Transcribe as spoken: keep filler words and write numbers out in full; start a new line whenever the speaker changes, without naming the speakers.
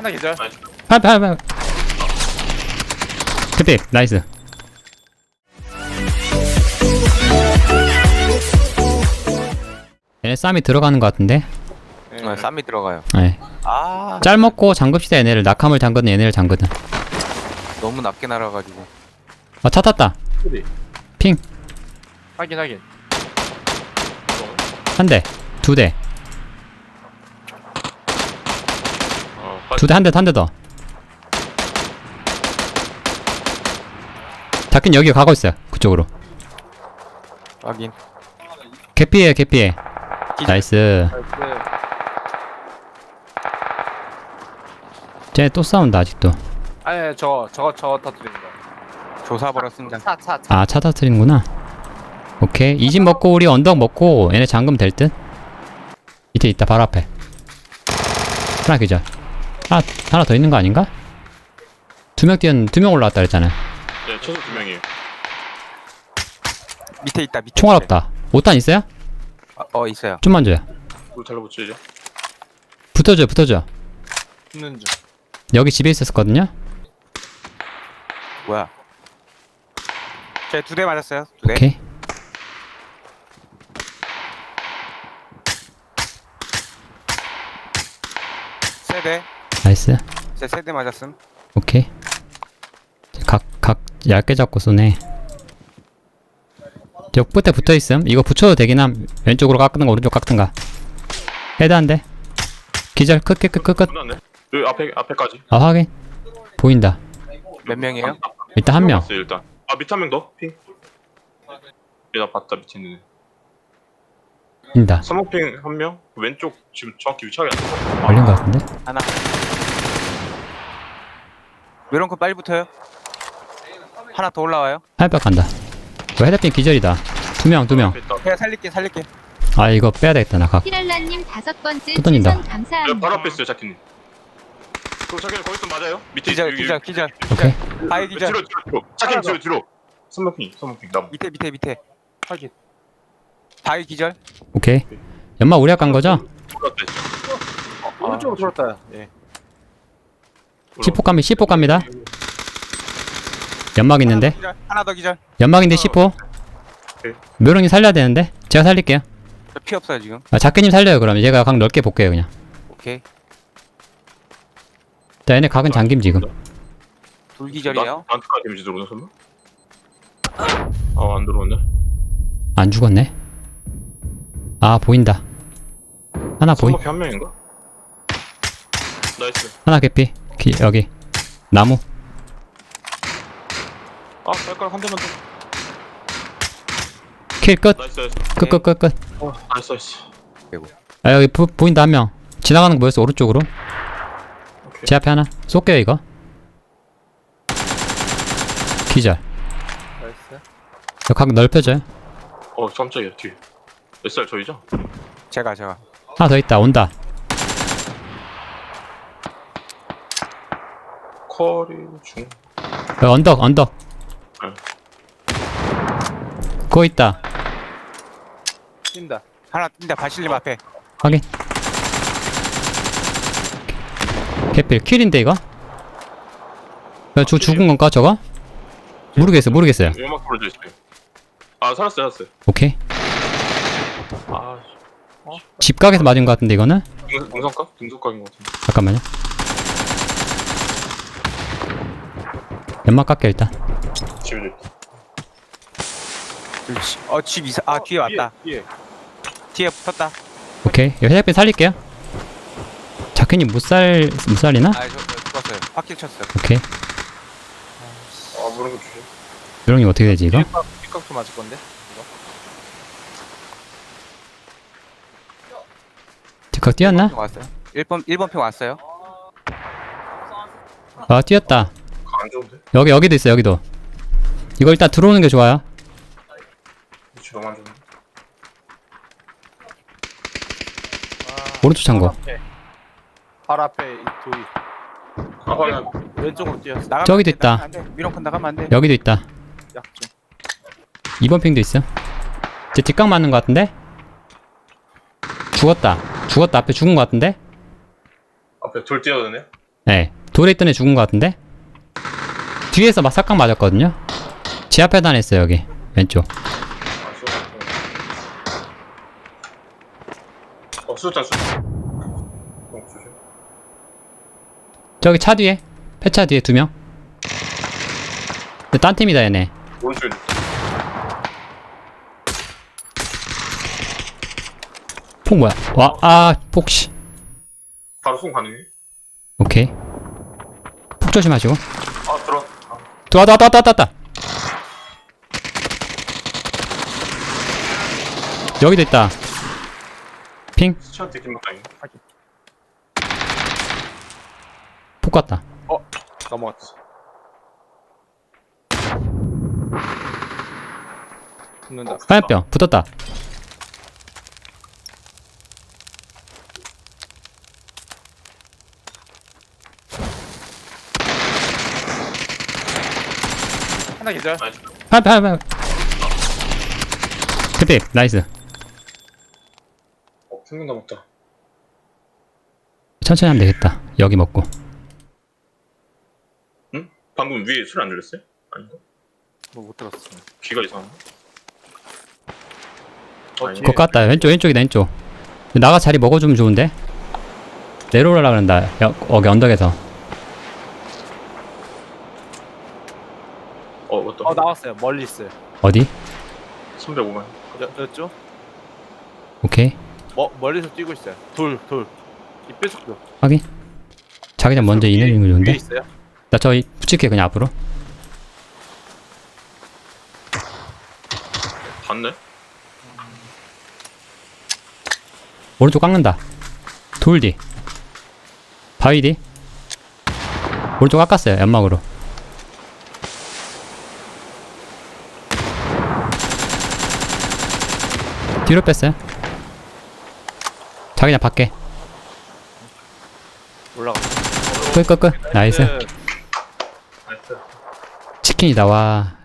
하나 계절.
팔팔팔 그때 나이스. 얘네 쌈이 들어가는 것 같은데.
네, 쌈이 들어가요.
네.
아
짤 먹고 잠급시다 얘네를. 낙하물 잠그는 얘네를 잠그든.
너무 낮게 날아가지고.
아 차 탔다.
어디?
핑
확인 확인.
한 대, 두 대,
어,
두 대, 한 대, 한 대 더. 다킨 여기 가고 있어요. 그쪽으로.
확인.
개피해, 개피해.
기절.
나이스. 쟤 또 싸운다 아직도.
아니 저거 저거 저거 터뜨리는 거.
조사버려 승장.
차차 차.
아, 차 터트리는구나. 오케이. 이 집 먹고 우리 언덕 먹고 얘네 잠금 될 듯? 밑에 있다, 바로 앞에. 하나 기절. 하나, 하나 더 있는 거 아닌가? 두 명 뛰었, 두 명 올라왔다 그랬잖아.
네, 최소 두 명이에요.
밑에 있다. 밑에.
총알
밑에.
없다. 오 탄 있어요?
어, 어 있어요.
좀만 줘요.
물 달라붙이죠.
붙어줘, 붙어줘.
붙는 중.
여기 집에 있었거든요?
뭐야? 제 두 대 맞았어요. 두 대.
오케이.
세 대.
나이스.
제 세 대 맞았음.
오케이. 각, 각 얇게 잡고 쏘네. 저 끝에 붙어있음. 이거 붙여도 되긴 함. 왼쪽으로 깎든가 오른쪽 깎든가. 헤드 한 대. 기절. 끝, 끝, 끝, 끝, 끝.
끝났네. 여기 앞에 앞에까지.
아, 확인. 보인다.
몇 명이에요?
일단 한 명.
봤어요, 일단. 아, 밑에 한 명 더. 핑. 얘나 봤다 밑에 있는 애.
인다.
서머핑 한 명. 왼쪽 지금 정확히 위치하게 안 돼.
걸린 것 같은데?
하나. 외런코 빨리 붙어요. 하나 더 올라와요.
하이백 간다. 이거 헤드핀 기절이다. 두 명, 두 명.
그냥 살릴게 살릴게.
아, 이거 빼야 되겠다, 나 각.
피랄라님 다섯 번째
또 던진다.
추천 감사합니다.
여기 바로 앞에 있어요, 자키님. 그럼 자키님 거기 있으면 맞아요? 밑에
기절
여기,
기절
여기.
기절.
오케이.
바위
뒤로
기절.
뒤로 뒤로. 자키님 뒤로 뒤로. 서머핑 서머핑 나무.
밑에 밑에 밑에.
확인.
바위 기절.
오케이. 연막 우리가 간 거죠?
올라왔다.
오른쪽으로 돌았다. 예.
십포 갑니다, 십포 갑니다. 연막 있는데?
하나 더 기절. 하나 더 기절.
연막인데 십포.
오케이.
묘령님 살려야 되는데? 제가 살릴게요.
저 피 없어요 지금.
아, 작가님 살려요, 그러면. 제가 각 넓게 볼게요, 그냥.
오케이.
자, 얘네 각은 잠김, 지금.
둘 기절이에요.
나한테까지 데미지 들어오나 설마? 아, 안 들어오네.
안 죽었네. 아, 보인다. 하나 보인,
서머핑 한 명인가? 나이스.
하나 개피. 기, 여기. 나무.
아, 발가락 한 대만 더.
킬 끝.
나이스 나이스.
끝, 끝, 끝, 끝.
어, 나이스 나이스.
아, 여기 보, 보인다, 한 명. 지나가는 거 보였어, 오른쪽으로.
오케이.
제 앞에 하나. 쏠게요, 이거. 기절.
나이스.
이거 각 넓혀줘요.
어, 깜짝이야 뒤에. 에스알 저희죠?
제가 제가.
하나 더 있다, 온다.
커리 중.
여기 언덕, 언덕.
응.
그거 있다.
뛴다.
하나 뛴다. 바실님 앞에.
확인. 개필 킬인데 이거? 야, 저 죽은 건가 저거? 모르겠어, 모르겠어요.
음악 부러져 있어요. 아, 살았어요, 살았어요.
오케이.
아,
집각에서 맞은 것 같은데 이거는?
등, 등성각? 등성각인 것 같은데.
잠깐만요. 연막 깎여 일단.
집에 있다.
그렇지. 어집 이사. 아 뒤에 왔다.
뒤에.
뒤에 붙었다.
오케이. 이거 헤드핀 살릴게요. 자켓님 못살 못 살리나?
아 저 죽었어요. 확킬 쳤어요.
오케이.
아, 모르는 거 주세요.
요령님 어떻게 되지 이거?
뒷각도 맞을 건데.
뒷각 뛰었나?
핑 왔어요. 일 번 일 번 핑 왔어요.
아, 뛰었다.
안 좋은데?
여기 여기도 있어, 여기도. 이거 일단 들어오는 게 좋아요.
위치 너무 안 좋은데?
오른쪽 창고.
발 앞에 이 돌이.
아, 확인.
왼쪽으로 뛰었어.
나가면
저기도
안 돼,
있다.
나가면 안 돼. 미롱콘 나가면 안 돼.
여기도 있다.
약 좀.
이 번 핑도 있어. 제 뒷각 맞는 것 같은데? 죽었다. 죽었다. 앞에 죽은 것 같은데?
앞에 돌 뛰어드네.
네. 돌에 있던 애 죽은 것 같은데? 뒤에서 막 삭각 맞았거든요? 지 앞에 다녔어요, 여기. 왼쪽.
아, 수류탄. 어, 수류탄, 수류탄. 어, 조심.
저기 차 뒤에. 폐차 뒤에 두 명. 근데 딴 팀이다, 얘네.
오른쪽에 있다.
폭 뭐야? 와, 아, 폭, 씨.
바로 송 가능해?
오케이. 폭 조심하시고.
아, 들어. 아,
또 왔다, 왔다, 왔다, 왔다, 왔다. 여기도 있다. 핑.
스치한테 김막 아닌가?
폭 갔다.
넘어갔지. 붙는다.
화염병. 붙었다.
하나 계절.
나이스.
화염병, 화염병. 그때, 나이스.
어, 생명 남았다.
천천히 하면 되겠다. 여기 먹고.
응? 방금 위에 술 안 들렸어요? 아닌가?
뭐 못 들었어.
귀가 이상한가?
어,
아니,
뒤에.
그거 같다. 왼쪽, 왼쪽이다, 왼쪽. 나가 자리 먹어주면 좋은데? 내려오려고 그런다. 여, 여기 언덕에서.
어, 맞다.
어 나왔어요. 멀리 있어요.
어디?
삼백오만.
여, 여쪽?
오케이.
뭐 멀리서 뛰고 있어요. 돌 돌. 이 뾰족도.
확인. 자기장 먼저
위에-
이내리는 거
위에
좋은데?
있어요.
나 저기 붙일게, 그냥 앞으로.
봤네?
오른쪽 깎는다. 돌 뒤. 바위 뒤. 오른쪽 깎았어요, 연막으로. 뒤로 뺐어요. 자기장 밖에.
올라가.
끄끄끄. 나이스.
네.
나이스.
치킨이다, 와.